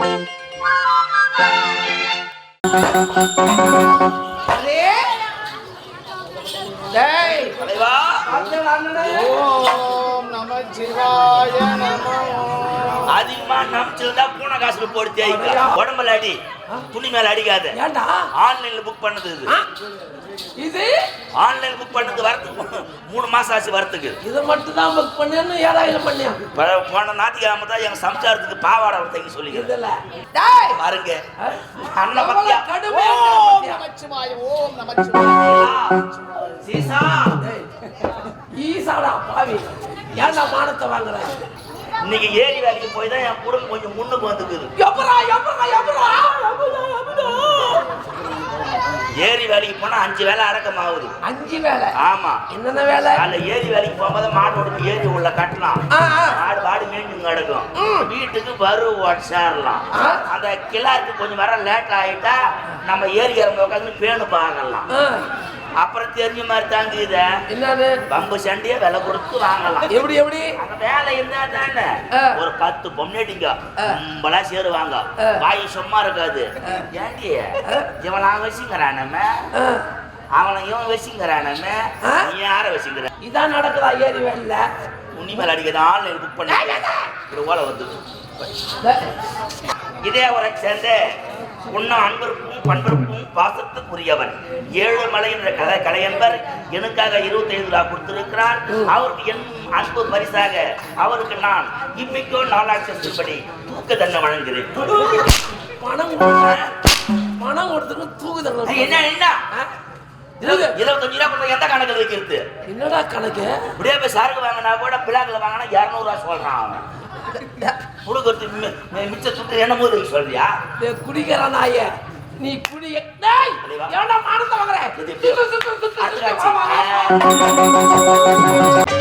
அதிகமா நம்பிச்சிருந்தா பூனை காசுல போட்டு தேய்க்க உடம்புல அடி துணி மேல அடிக்காது. ஆன்லைன்ல புக் பண்ணது இது ஆன்லைன் புக் பண்ணது வரதுக்கு 3 மாசம் ஆச்சு வரதுக்கு. இதை மட்டும் தான் புக் பண்ணேன்னு 7000 பண்ணியா? போன ஞாயிற்றுக்கிழமை தான் எங்க சம்சாரத்துக்கு பாவாடை தைக்க சொல்லிக்கிறேன். பாருங்க அண்ணன் பத்தியா சீசா ஈசாடா பாவி ஏன்டா மானத்தை வாங்குற? இன்னைக்கு ஏரி வேலைக்கு போய் தான் என் குடும்பம் கொஞ்சம் முன்னுக்கு வந்துக்குது. ஏரி வேலைக்கு போனா 5 வேலை அடக்கமாகுது. 5 வேலை? ஆமா. என்னென்ன வேலை? அல்ல ஏரி வேலைக்கு போகும்போது மாட்டோட ஏரி உள்ள கட்டலாம், மாடு மேய்ஞ்சு கிடக்கும், வீட்டுக்கு வரு சேரலாம். அந்த கிளாருக்கு கொஞ்சம் வர லேட் ஆயிட்டா நம்ம ஏரி இறங்க உட்காந்து பேணு பார்க்கலாம். அப்புறம் தெரிஞ்ச மாதிரி தாங்க இத என்னது பம்பு சண்டையே விலை கொடுத்து வாங்கலாம். எப்படி எப்படி அந்த வேலை இருந்தா தானே ஒரு 10 பொம்னேட்டிங்க கும்பலா சேருவாங்க. வாய் சும்மா இருக்காது. ஏண்டி இவன் நான் வச்சுக்கிறானமே அவனை இவன் வச்சுக்கிறானமே நீ யார வச்சுக்கிற? இதான் நடக்குதா ஏரி வேலையில? உன்னி மேல அடிக்கிறது ஆன்லைன் புக் பண்ணி ஒரு ஓலை வந்து இதே ஒரு சேர்ந்து உன்னும் அன்பிற்கும் பண்பிற்கும் பாசத்துக்குரியவன் ஏழுமலை என்ற கலையன்பர் எனக்காக 25 ரூபா கொடுத்திருக்கிறார். அவருக்கு என் அன்பு பரிசாக அவருக்கு நான் இம்மிக்கோ 4 லட்சம் படி தூக்க தண்டனை வழங்குகிறேன். பணம் கொடுத்துக்கு தூக்கு தண்டனை என்ன என்ன 25 ரூபா கொடுத்த எந்த கணக்கில் வைக்கிறது? என்னடா கணக்கு? இப்படியே போய் சரக்கு வாங்கினா கூட பிளாக்ல வாங்கினா 200 ரூபா சொல்றான் அவன். குடுக்கறது மிச்ச சுட்டு என்ன போது சொல்றியா? குடிக்கிற நாய நீ குடி மானத்தை வாங்குற?